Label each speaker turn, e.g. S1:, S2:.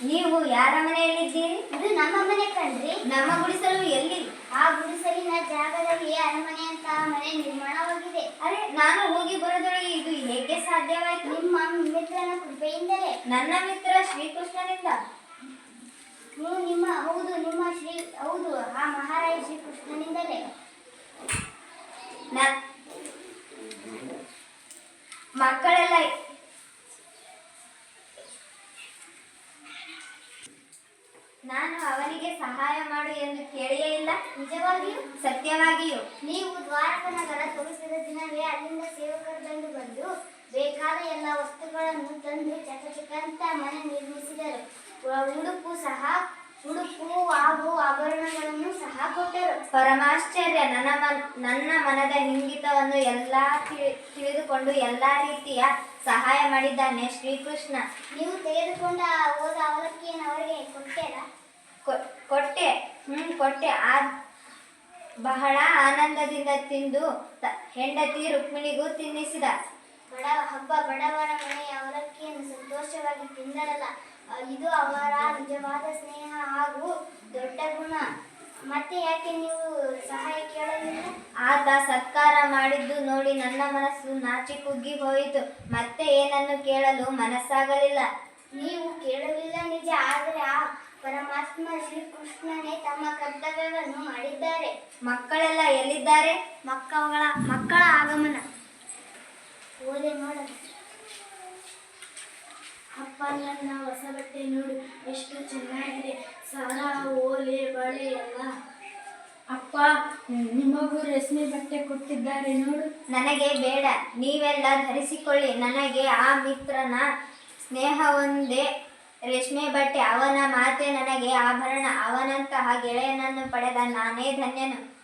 S1: ನೀವು ಯಾರ ಮನೆಯಲ್ಲಿದ್ದೀರಿ?
S2: ಇದು ನಮ್ಮ ಮನೆ ಕಣ್ರಿ.
S1: ನಮ್ಮ ಗುಡಿಸಲು ಎಲ್ಲಿ?
S2: ಆ ಗುಡಿಸಲಿನ ಜಾಗದಲ್ಲಿ ಅರಮನೆ ಅಂತ ಮನೆ ನಿರ್ಮಾಣವಾಗಿದೆ.
S1: ಅರೆ, ನಾನು ಹೋಗಿ ಬರೋದೊಳಗೆ ಇದು ಹೇಗೆ ಸಾಧ್ಯವಾಯಿತು?
S2: ನಿಮ್ಮ ಮಿತ್ರನ ಕೃಪೆಯಿಂದಲೇ.
S1: ನನ್ನ ಮಿತ್ರ ಶ್ರೀಕೃಷ್ಣನಿಂದ.
S2: ಹೌದು, ಆ ಮಹಾರಾಜ ಶ್ರೀಕೃಷ್ಣನಿಂದಲೇ.
S1: ಮಕ್ಕಳೆಲ್ಲ ನಾನು ಅವನಿಗೆ ಸಹಾಯ ಮಾಡು ಎಂದು ಕೇಳಿಯೇ ಇಲ್ಲ.
S2: ನಿಜವಾಗಿಯೂ?
S1: ಸತ್ಯವಾಗಿಯೂ.
S2: ನೀವು ದ್ವಾರಕ ನಗರ ತೋರಿಸಿದ ದಿನವೇ ಅಲ್ಲಿಂದ ಸೇವಕರು ಬಂದು ಬೇಕಾದ ಎಲ್ಲ ವಸ್ತುಗಳನ್ನು ತಂದು ಚಕಚಕ ಮನೆ ನಿರ್ಮಿಸಿದರು. ಉಡುಪು ಹಾಗೂ ಆಭರಣಗಳನ್ನು ಸಹ ಕೊಟ್ಟರು.
S1: ಪರಮಾಶ್ಚರ್ಯ. ನನ್ನ ಮನದ ಇಂಗಿತವನ್ನು ಎಲ್ಲ ತಿಳಿದುಕೊಂಡು ಎಲ್ಲ ರೀತಿಯ ಸಹಾಯ ಮಾಡಿದ್ದಾನೆ ಶ್ರೀಕೃಷ್ಣ.
S2: ನೀವು ತೆಗೆದುಕೊಂಡ ಹೋದ ಅವಲಕ್ಕಿಯನ್ನು ಅವರಿಗೆ ಕೊಟ್ಟೆರಾ?
S1: ಕೊಟ್ಟೆ. ಬಹಳ ಆನಂದದಿಂದ ತಿಂದು ಹೆಂಡತಿ ರುಕ್ಮಿಣಿಗೂ ತಿನ್ನಿಸಿದ.
S2: ಬಡವರ ಮನೆಯ ಅವಲಕ್ಕಿಯನ್ನು ಸಂತೋಷವಾಗಿ ತಿಂದರಲ್ಲ, ಇದು ಅವರ ನಿಜವಾದ ಸ್ನೇಹ ಹಾಗೂ ದೊಡ್ಡ ಗುಣ. ಮತ್ತೆ ಯಾಕೆ ನೀವು ಸಹಾಯ ಕೇಳಲಿಲ್ಲ?
S1: ಆತ ಸತ್ಕಾರ ಮಾಡಿದ್ದು ನೋಡಿ ನನ್ನ ಮನಸ್ಸು ನಾಚಿ ಕುಗ್ಗಿ ಹೋಯಿತು. ಮತ್ತೆ ಏನನ್ನು ಕೇಳಲು ಮನಸ್ಸಾಗಲಿಲ್ಲ.
S2: ನೀವು ಕೇಳಲಿಲ್ಲ ನಿಜ, ಆದರೆ ಆ ಪರಮಾತ್ಮ ಶ್ರೀಕೃಷ್ಣನೇ ತಮ್ಮ ಕರ್ತವ್ಯವನ್ನು ಮಾಡಿದ್ದಾರೆ.
S1: ಮಕ್ಕಳೆಲ್ಲ ಎಲ್ಲಿದ್ದಾರೆ?
S2: ಮಕ್ಕಳ ಆಗಮನ. ಓಲೆ ನೋಡೋಣ. ಅಪ್ಪ, ನನ್ನ ಹೊಸ ಬಟ್ಟೆ ನೋಡು, ಎಷ್ಟು ಚೆನ್ನಾಗಿದೆ. ಸರ, ಓಲೆ, ಬಳೆ ಎಲ್ಲ.
S3: ಅಪ್ಪ, ನಿಮಗೂ ರೇಷ್ಮೆ ಬಟ್ಟೆ ಕೊಟ್ಟಿದ್ದಾರೆ ನೋಡು.
S1: ನನಗೆ ಬೇಡ, ನೀವೆಲ್ಲ ಧರಿಸಿಕೊಳ್ಳಿ. ನನಗೆ ಆ ಮಿತ್ರನ ಸ್ನೇಹವೊಂದೇ ರೇಷ್ಮೆ ಬಟ್ಟೆ. ಅವನ ಮಾತೆ ನನಗೆ ಆಭರಣ. ಅವನಂತಹ ಗೆಳೆಯನನ್ನು ಪಡೆದ ನಾನೇ ಧನ್ಯನು.